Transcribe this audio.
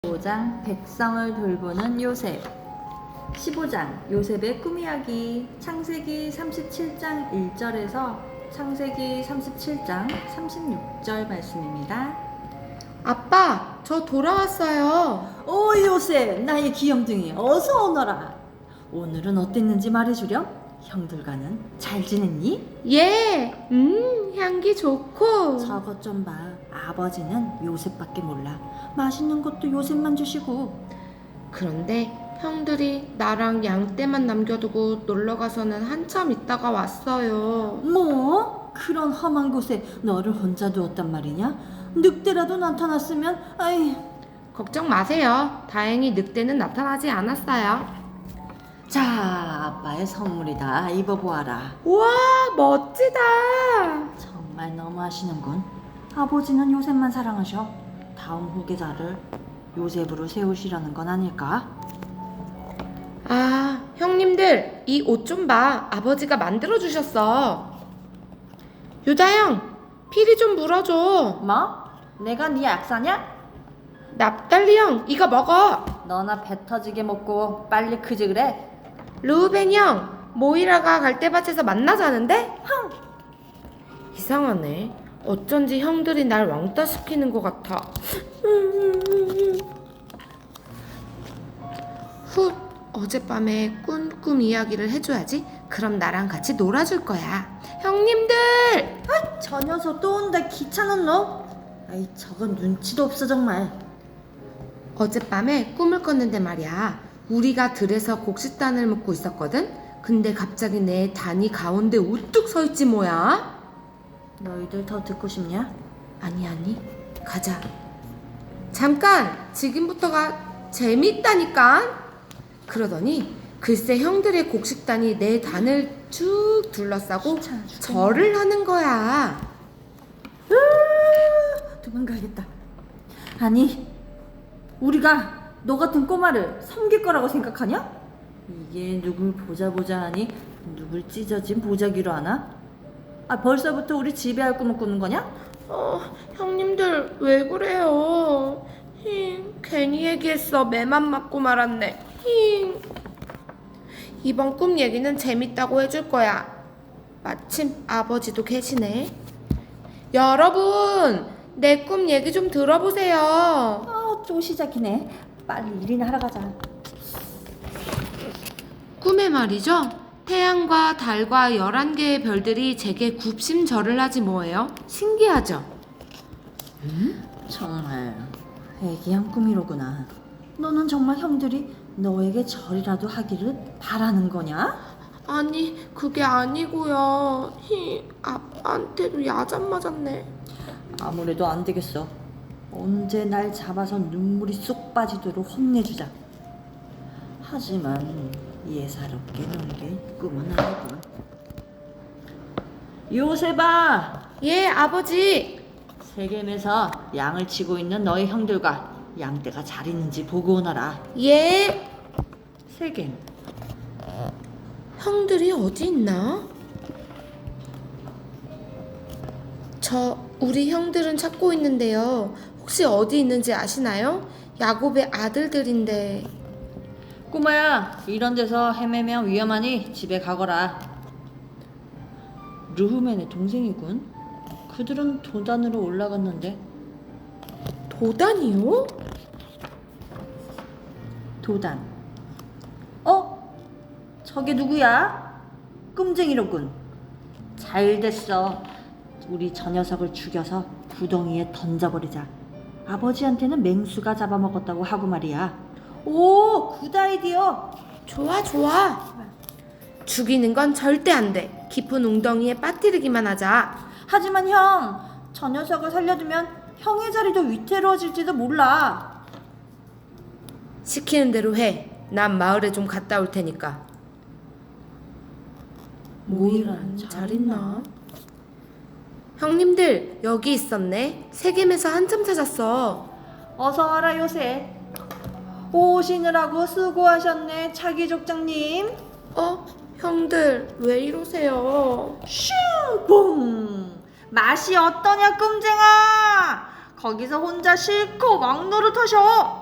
15장 백성을 돌보는 요셉. 15장 요셉의 꿈 이야기. 창세기 37장 1절에서 창세기 37장 36절 말씀입니다. 아빠, 저 돌아왔어요. 오 요셉, 나의 귀염둥이, 어서 오너라. 오늘은 어땠는지 말해주렴. 형들과는 잘 지냈니? 예, 향기 좋고. 저것 좀 봐. 아버지는 요셉밖에 몰라. 맛있는 것도 요셉만 주시고. 그런데 형들이 나랑 양떼만 남겨두고 놀러가서는 한참 있다가 왔어요. 뭐? 그런 험한 곳에 너를 혼자 두었단 말이냐? 늑대라도 나타났으면 아이. 걱정 마세요. 다행히 늑대는 나타나지 않았어요. 자, 아빠의 선물이다. 입어보아라. 우와, 멋지다. 정말 너무하시는군. 아버지는 요셉만 사랑하셔. 다음 후계자를 요셉으로 세우시려는 건 아닐까? 아, 형님들, 이 옷 좀 봐. 아버지가 만들어주셨어. 유다 형, 피리 좀 물어줘. 뭐? 내가 네 약사냐? 납달리 형, 이거 먹어. 너나 배 터지게 먹고 빨리 크지 그래? 루벤 형, 모이라가 갈대밭에서 만나자는데? 이상하네. 어쩐지 형들이 날 왕따 시키는 것 같아. 훗, 어젯밤에 꾼 꿈 이야기를 해줘야지. 그럼 나랑 같이 놀아줄 거야. 형님들! 저 녀석 또 온다. 귀찮은 놈. 아이, 저건 눈치도 없어 정말. 어젯밤에 꿈을 꿨는데 말이야. 우리가 들에서 곡식단을 먹고 있었거든? 근데 갑자기 내 단이 가운데 우뚝 서있지 뭐야? 너희들 더 듣고 싶냐? 아니, 가자. 잠깐! 지금부터가 재밌다니까? 그러더니 글쎄 형들의 곡식단이 내 단을 쭉 둘러싸고 귀찮아 죽겠네. 절을 하는 거야. 도망가야겠다. 아니, 우리가 너 같은 꼬마를 섬길 거라고 생각하냐? 이게 누굴 보자 하니 누굴 찢어진 보자기로 하나? 아, 벌써부터 우리 지배할 꿈을 꾸는 거냐? 형님들 왜 그래요? 괜히 얘기했어. 매만 맞고 말았네. 이번 꿈 얘기는 재밌다고 해줄 거야. 마침 아버지도 계시네. 여러분, 내 꿈 얘기 좀 들어보세요. 또 시작이네. 빨리 일이나 하러 가자. 꿈에 말이죠. 태양과 달과 11개의 별들이 제게 굽심절을 하지 뭐예요? 신기하죠? 정말 회개한 꿈이로구나. 너는 정말 형들이 너에게 절이라도 하기를 바라는 거냐? 아니, 그게 아니고요. 아빠한테도 야단 맞았네. 아무래도 안 되겠어. 언제 날 잡아서 눈물이 쏙 빠지도록 혼내주자. 하지만 예사롭게 놀게 꿈은 아니군. 요셉아! 예, 아버지. 세겜에서 양을 치고 있는 너희 형들과 양떼가 잘 있는지 보고 오너라. 예. 세겜. 형들이 어디 있나? 우리 형들은 찾고 있는데요. 혹시 어디 있는지 아시나요? 야곱의 아들들인데. 꼬마야, 이런 데서 헤매면 위험하니 집에 가거라. 르후멘의 동생이군. 그들은 도단으로 올라갔는데. 도단이요? 도단. 저게 누구야? 끔쟁이로군. 잘 됐어. 우리 저 녀석을 죽여서 구덩이에 던져버리자. 아버지한테는 맹수가 잡아먹었다고 하고 말이야. 오, 굿 아이디어. 좋아. 죽이는 건 절대 안 돼. 깊은 웅덩이에 빠뜨리기만 하자. 하지만 형, 저 녀석을 살려두면 형의 자리도 위태로워질지도 몰라. 시키는 대로 해. 난 마을에 좀 갔다 올 테니까. 모이라는 잘 있나? 형님들, 여기 있었네. 세겜에서 한참 찾았어. 어서 와라 요셉. 오시느라고 수고하셨네 차기 족장님. 형들, 왜 이러세요? 슈봉. 맛이 어떠냐 끔쟁아. 거기서 혼자 실컷 왕노릇하셔.